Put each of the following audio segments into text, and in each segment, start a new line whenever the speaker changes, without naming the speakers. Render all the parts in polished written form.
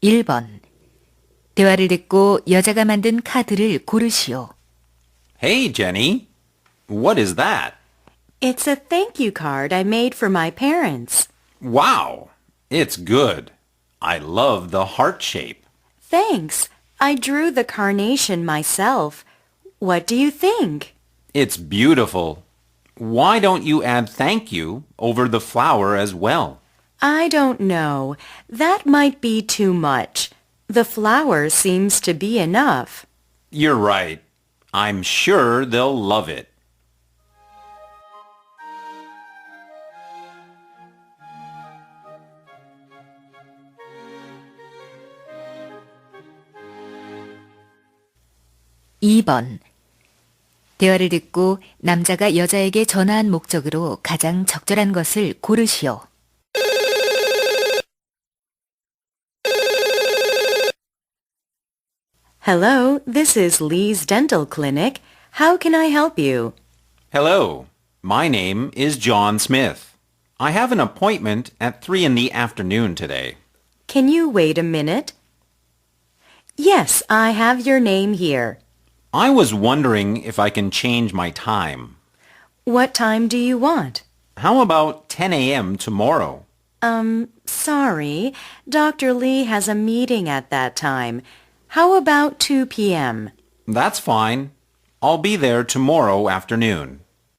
1번. 대화를 듣고 여자가 만든 카드를 고르시오.
Hey, Jenny. What is that?
It's a thank you card I made for my parents.
Wow. It's good. I love the heart shape.
Thanks. I drew the carnation myself. What do you think?
It's beautiful. Why don't you add thank you over the flower as well?
I don't know. That might be too much. The flower seems to be enough.
You're right. I'm sure they'll love it.
(2번) 대화를 듣고 남자가 여자에게 전화한 목적으로 가장 적절한 것을 고르시오.
Hello, this is Lee's Dental Clinic. How can I help you?
Hello. My name is John Smith. I have an appointment at 3 in the afternoon today.
Can you wait a minute? Yes, I have your name here.
I was wondering if I can change my time.
What time do you want?
How about 10 a.m. tomorrow?
Sorry. Dr. Lee has a meeting at that time. How about 2 p.m.?
That's fine. I'll be there tomorrow afternoon.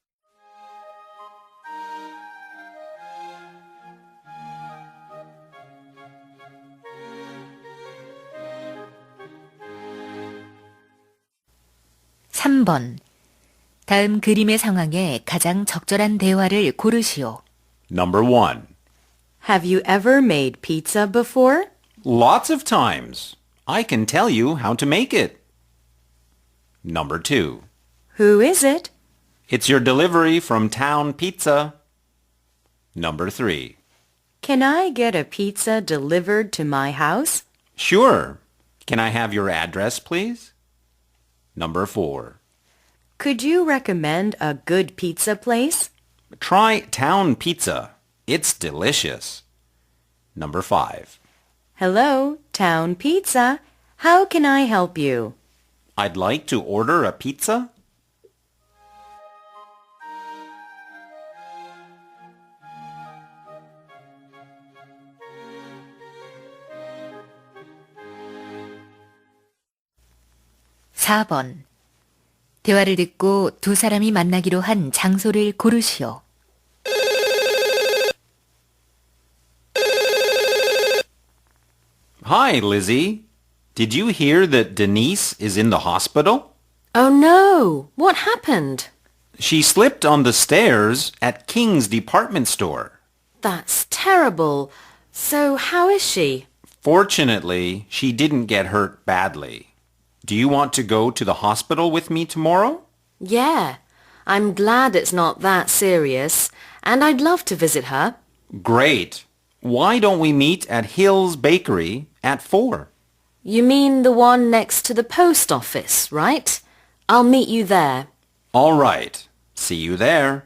(3번) 다음 그림의 상황에 가장 적절한 대화를 고르시오.
Number 1.
Have you ever made pizza before?
Lots of times. I can tell you how to make it. Number 2.
Who is it?
It's your delivery from Town Pizza. Number 3.
Can I get a pizza delivered to my house?
Sure. Can I have your address, please? Number 4.
Could you recommend a good pizza place?
Try Town Pizza. It's delicious. Number 5.
Hello, Town Pizza. How can I help you?
I'd like to order a pizza.
(4번) 대화를 듣고 두 사람이 만나기로 한 장소를 고르시오.
Hi, Lizzie. Did you hear that Denise is in the hospital?
Oh no! What happened?
She slipped on the stairs at King's department store.
That's terrible. So how is she?
Fortunately, she didn't get hurt badly. Do you want to go to the hospital with me tomorrow?
Yeah. I'm glad it's not that serious, and I'd love to visit her.
Great. Why don't we meet at Hill's Bakery at 4?
You mean the one next to the post office, right? I'll meet you there.
All right. See you there.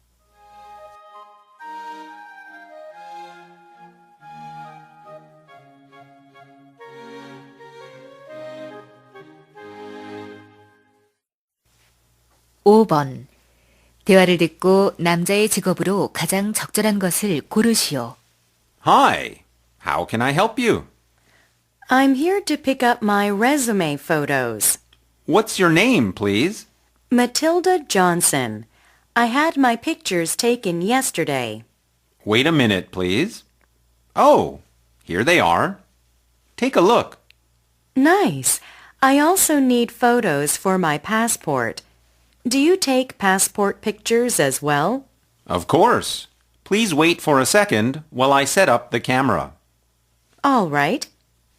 (5번) 대화를 듣고 남자의 직업으로 가장 적절한 것을 고르시오.
Hi. How can I help you?
I'm here to pick up my resume photos.
What's your name, please?
Matilda Johnson. I had my pictures taken yesterday.
Wait a minute, please. Oh, here they are. Take a look.
Nice. I also need photos for my passport. Do you take passport pictures as well?
Of course. Please wait for a second while I set up the camera.
All right.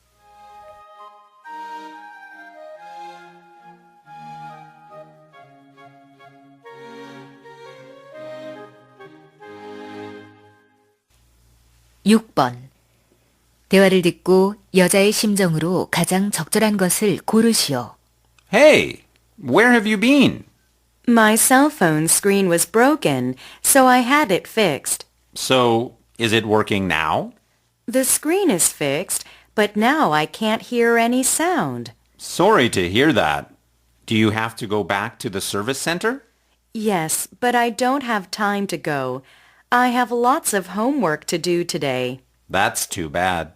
(6번) 대화를 듣고 여자의 심정으로 가장 적절한 것을 고르시오.
Hey, where have you been?
My cell phone screen was broken, so I had it fixed.
So, is it working now?
The screen is fixed, but now I can't hear any sound.
Sorry to hear that. Do you have to go back to the service center?
Yes, but I don't have time to go. I have lots of homework to do today.
That's too bad.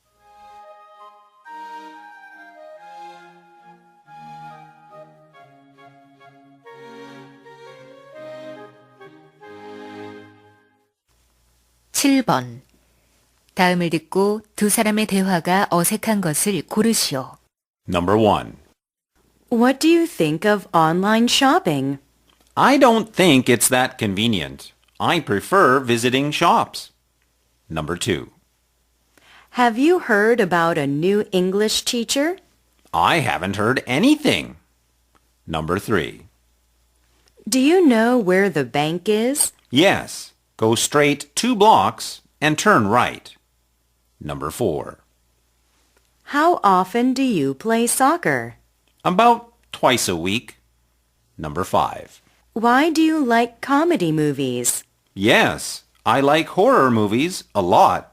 (7번) 다음을 듣고 두 사람의 대화가 어색한 것을 고르시오.
Number 1.
What do you think of online shopping?
I don't think it's that convenient. I prefer visiting shops. Number 2.
Have you heard about a new English teacher?
I haven't heard anything. Number 3.
Do you know where the bank is?
Yes, go straight 2 blocks and turn right. Number 4.
How often do you play soccer?
About twice a week. Number 5.
Why do you like comedy movies?
Yes, I like horror movies a lot.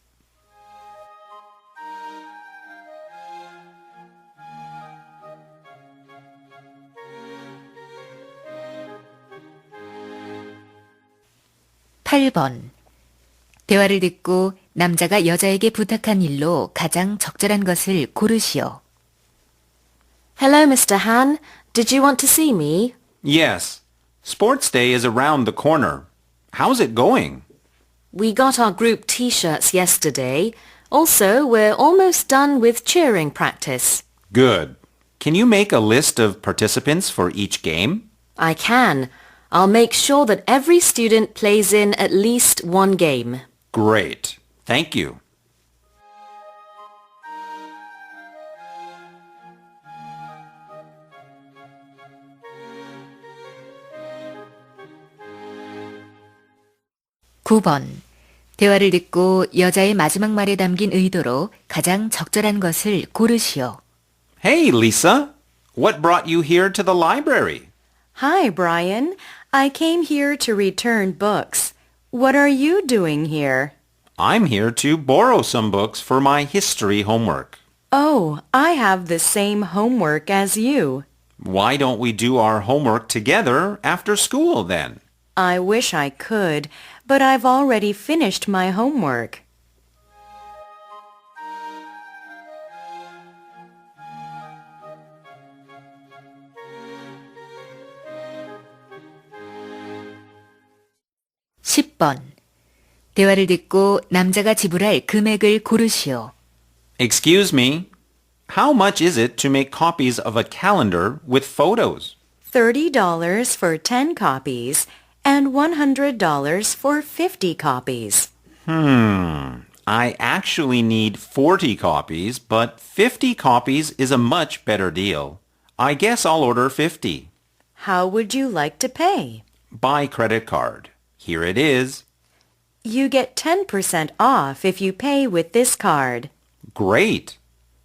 (8번) 대화를 듣고 남자가 여자에게 부탁한 일로 가장 적절한 것을 고르시오.
Hello, Mr. Han. Did you want to see me?
Yes, sports day is around the corner. How's it going?
We got our group T-shirts yesterday. Also, we're almost done with cheering practice.
Good. Can you make a list of participants for each game?
I can. I'll make sure that every student plays in at least one game.
Great. Thank you.
(9번) 대화를 듣고 여자의 마지막 말에 담긴 의도로 가장 적절한 것을 고르시오.
Hey, Lisa. What brought you here to the library?
Hi, Brian. I came here to return books. What are you doing here?
I'm here to borrow some books for my history homework.
Oh, I have the same homework as you.
Why don't we do our homework together after school then?
I wish I could, but I've already finished my homework.
(10번) 대화를 듣고 남자가 지불할 금액을 고르시오.
Excuse me. How much is it to make copies of a calendar with photos?
$30 for 10 copies and $100 for 50 copies.
I actually need 40 copies, but 50 copies is a much better deal. I guess I'll order 50.
How would you like to pay?
By credit card. Here it is.
You get 10% off if you pay with this card.
Great.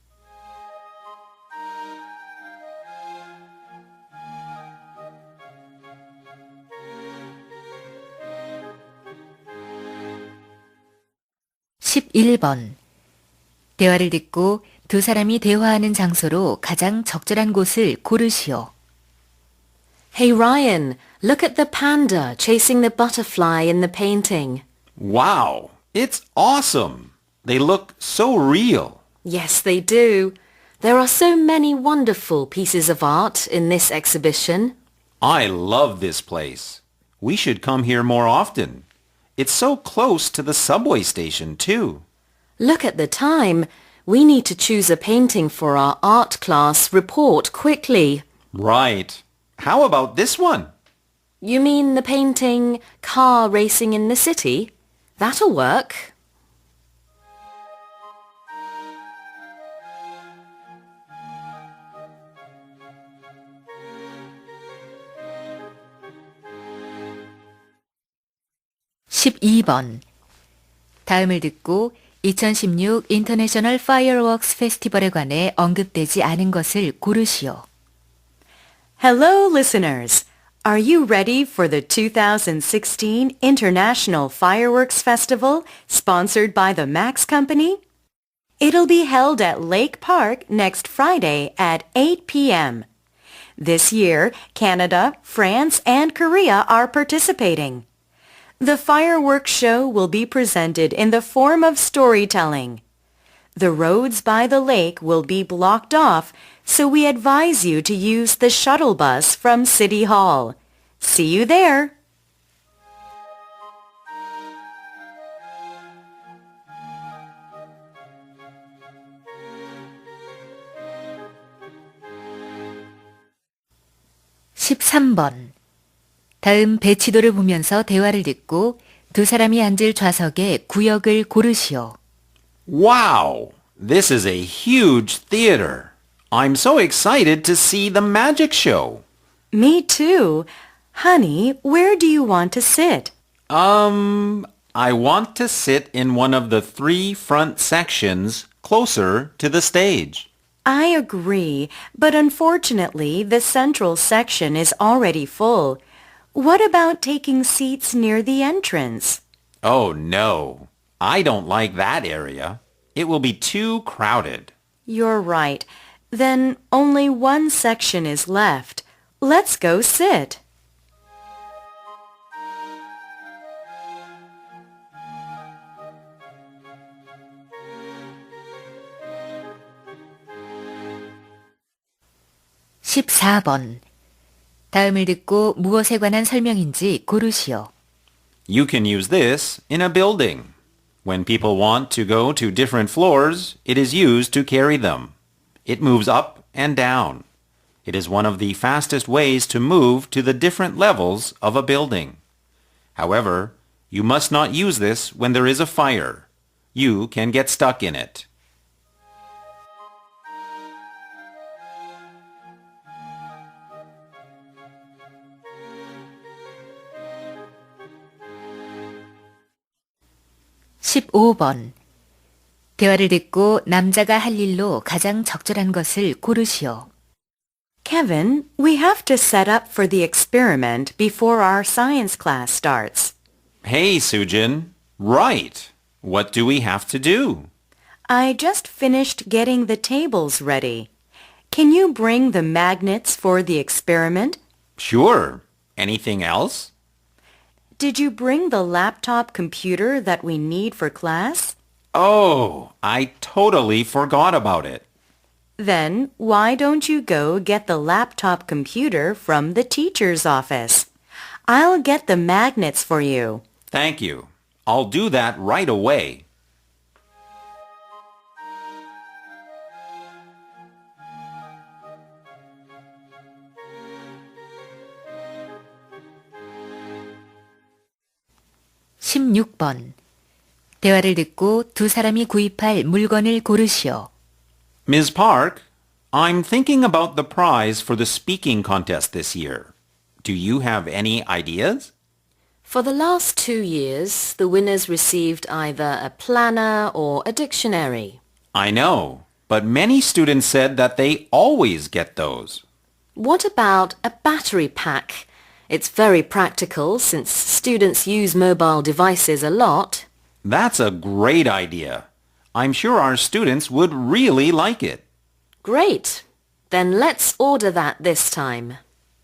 (11번) 대화를 듣고 두 사람이 대화하는 장소로 가장 적절한 곳을 고르시오.
Hey, Ryan. Look at the panda chasing the butterfly in the painting.
Wow, it's awesome. They look so real.
Yes, they do. There are so many wonderful pieces of art in this exhibition.
I love this place. We should come here more often. It's so close to the subway station, too.
Look at the time. We need to choose a painting for our art class report quickly.
Right. How about this one?
You mean the painting Car Racing in the City? That'll work.
(12번) 다음을 듣고 2016 인터내셔널 파이어웍스 페스티벌에 관해 언급되지 않은 것을 고르시오.
Hello, listeners. Are you ready for the 2016 International Fireworks Festival sponsored by the Max Company? It'll be held at Lake Park next Friday at 8 p.m. This year, Canada, France, and Korea are participating. The fireworks show will be presented in the form of storytelling. The roads by the lake will be blocked off, so we advise you to use the shuttle bus from City Hall. See you there!
(13번) 다음 배치도를 보면서 대화를 듣고 두 사람이 앉을 좌석의 구역을 고르시오.
Wow! This is a huge theater. I'm so excited to see the magic show.
Me too. Honey, where do you want to sit?
I want to sit in one of the 3 front sections closer to the stage.
I agree, but unfortunately the central section is already full. What about taking seats near the entrance?
Oh no, I don't like that area. It will be too crowded.
You're right. Then only one section is left. Let's go sit.
(14번) 다음을 듣고 무엇에 관한 설명인지 고르시오.
You can use this in a building. When people want to go to different floors, it is used to carry them. It moves up and down. It is one of the fastest ways to move to the different levels of a building. However, you must not use this when there is a fire. You can get stuck in it.
(15번) 대화를 듣고 남자가 할 일로 가장 적절한 것을 고르시오.
Kevin, we have to set up for the experiment before our science class starts.
Hey, Sujin. Right. What do we have to do?
I just finished getting the tables ready. Can you bring the magnets for the experiment?
Sure. Anything else?
Did you bring the laptop computer that we need for class?
Oh, I totally forgot about it.
Then why don't you go get the laptop computer from the teacher's office? I'll get the magnets for you.
Thank you. I'll do that right away.
(16번) 대화를 듣고 두 사람이 구입할 물건을 고르시오.
Ms. Park, I'm thinking about the prize for the speaking contest this year. Do you have any ideas?
For the last 2 years, the winners received either a planner or a dictionary.
I know, but many students said that they always get those.
What about a battery pack? It's very practical since students use mobile devices a lot.
That's a great idea. I'm sure our students would really like it.
Great. Then let's order that this time.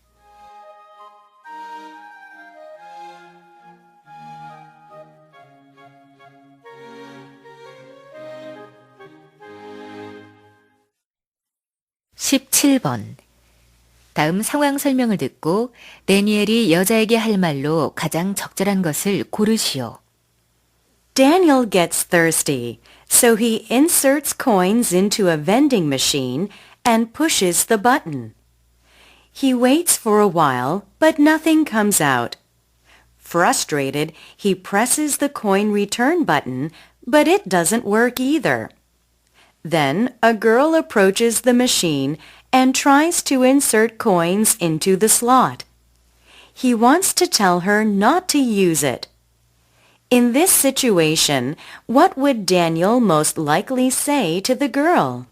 (17번) 다음 상황 설명을 듣고 데니엘이 여자에게 할 말로 가장 적절한 것을 고르시오.
Daniel gets thirsty, so he inserts coins into a vending machine and pushes the button. He waits for a while, but nothing comes out. Frustrated, he presses the coin return button, but it doesn't work either. Then a girl approaches the machine and tries to insert coins into the slot. He wants to tell her not to use it. In this situation, what would Daniel most likely say to the girl?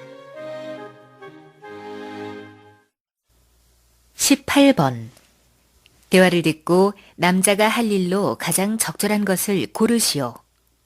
(18번) 대화를 듣고 남자가 할 일로 가장 적절한 것을 고르시오.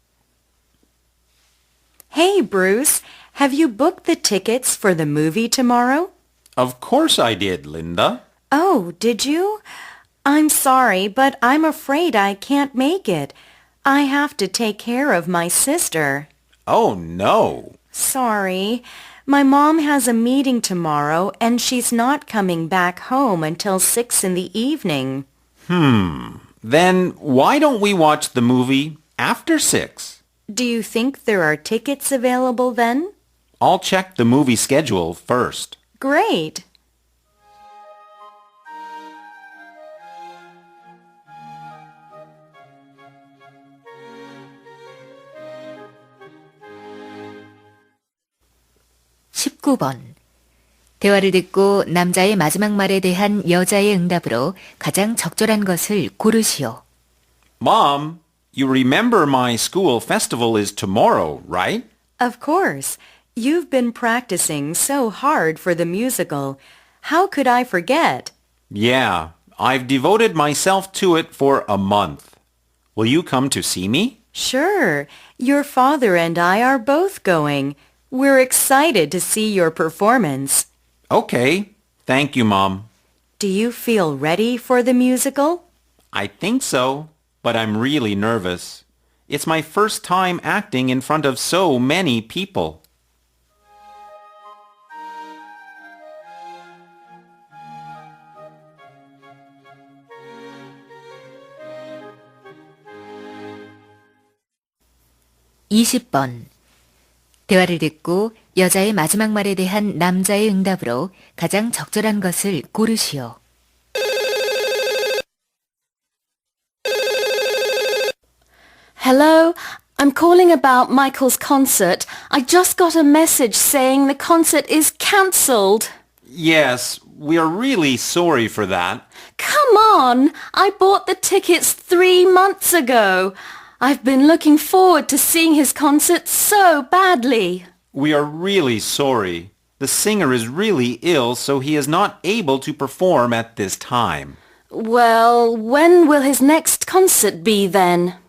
Hey, Bruce, have you booked the tickets for the movie tomorrow?
Of course I did, Linda.
Oh, did you? I'm sorry, but I'm afraid I can't make it. I have to take care of my sister.
Oh, no.
Sorry. My mom has a meeting tomorrow and she's not coming back home until 6 in the evening.
Then why don't we watch the movie after 6?
Do you think there are tickets available then?
I'll check the movie schedule first.
Great.
(19번) 대화를 듣고 남자의 마지막 말에 대한 여자의 응답으로 가장 적절한 것을 고르시오.
Mom, you remember my school festival is tomorrow, right?
Of course. You've been practicing so hard for the musical. How could I forget?
Yeah, I've devoted myself to it for a month. Will you come to see me?
Sure. Your father and I are both going. We're excited to see your performance.
Okay. Thank you, Mom.
Do you feel ready for the musical?
I think so, but I'm really nervous. It's my first time acting in front of so many people.
(20번) 대화를 듣고 여자의 마지막 말에 대한 남자의 응답으로 가장 적절한 것을 고르시오.
Hello, I'm calling about Michael's concert. I just got a message saying the concert is cancelled.
Yes, we are really sorry for that.
Come on! I bought the tickets 3 months ago. I've been looking forward to seeing his concert so badly.
We are really sorry. The singer is really ill, so he is not able to perform at this time.
Well, when will his next concert be then?